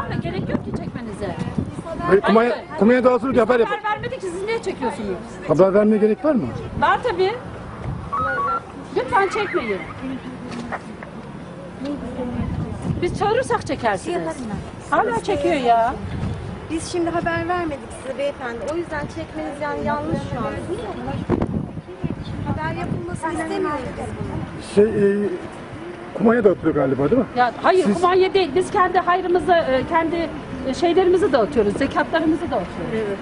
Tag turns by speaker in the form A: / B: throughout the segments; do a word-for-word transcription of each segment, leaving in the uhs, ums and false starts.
A: ama gerek yok ki çekmenize.
B: Hayır, kumanya, kumanya dağıtılır diye haber yap.
A: Haber vermedik ki siz niye çekiyorsunuz?
B: Haber vermeye gerek var mı?
A: Var tabii. Lütfen çekmeyin. Biz çağırırsak çekersiniz. Hala çekiyor ya.
C: Biz şimdi haber vermedik size beyefendi. O yüzden çekmeniz yani yanlış şu an. Haber yapılmasını istemiyoruz biz bunu.
B: Şey, e, kumanya dağıtılıyor galiba değil mi?
A: Ya hayır,
B: Siz-
A: kumanya değil. Biz kendi hayrımızı, e, kendi e, şeylerimizi dağıtıyoruz. Zekatlarımızı dağıtıyoruz. Evet.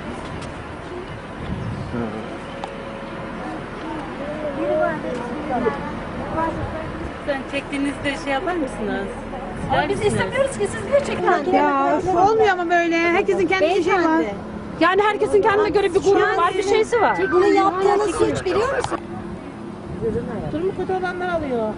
D: Sen çektiğinizde şey yapar mısınız?
A: Ama biz istemiyoruz ki siz niye çekiyorsunuz?
E: Ya olmuyor ama böyle. Herkesin kendi bir şey var.
C: Beyefendi,
A: Yani herkesin kendine göre bir grubu var, bir şeysi var.
C: bunu yaptığınız suç biliyor musun?
E: Durumu kötü olanlar alıyor.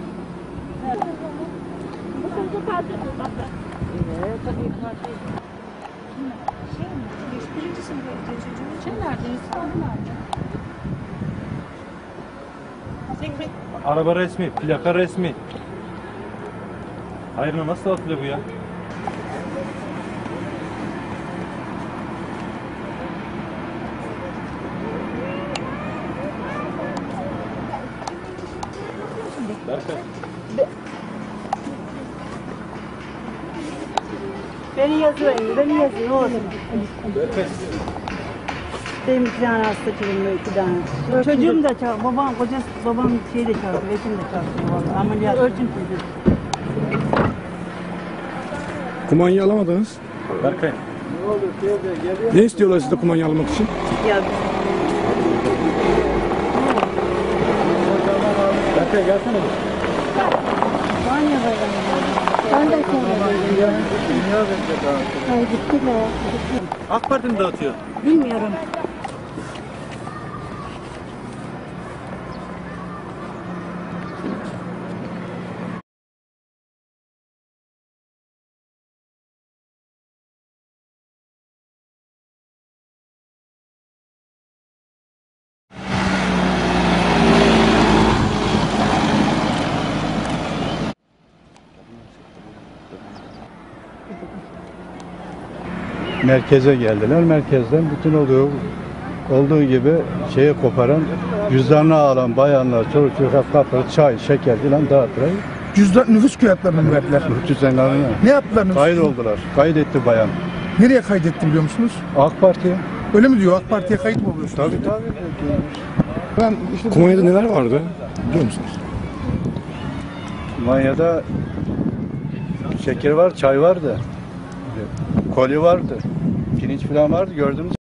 F: Araba resmi, plaka resmi. Hayır, nasıl atılıyor bu ya? Berkay.
E: Beni yazıyor, beni yazıyor. Ne olsun?
F: Berkay.
E: Benim iki tane hasta çocuğum, iki tane. Çocuğum da çağır, babam, kocası, babam şey de çağırdı, eşim de çağırdı. Vallahi ameliyat. Ölçüm çocuğu.
B: Kumanyayı alamadınız.
F: Berkay.
B: Ne istiyorlar sizde kumanya almak için?
E: Ya
F: Berkay gelsene. AK Parti mi dağıtıyor?
E: bilmiyorum.
G: Merkeze geldiler. Merkezden bütün olduğu olduğu gibi şeyi koparan, cüzdanını alan bayanlar, çocuk çocuk kapı, çay, şeker filan dağıttılar.
B: Cüzdan nüfus kağıtlarını mı verdiler?
G: Cüzdanlarını
B: Ne yaptılar nüfus?
G: kayıt oldular. Kaydetti bayan.
B: Nereye kaydetti biliyor musunuz?
G: AK Parti.
B: Öyle mi diyor? AK Parti'ye kayıt mı oluyorsunuz?
G: Tabii tabii.
B: Ben işte kumanyada neler vardı biliyor musunuz?
G: Manya'da şeker var, çay vardı. Koli vardı. Pirinç falan vardı. Gördünüz.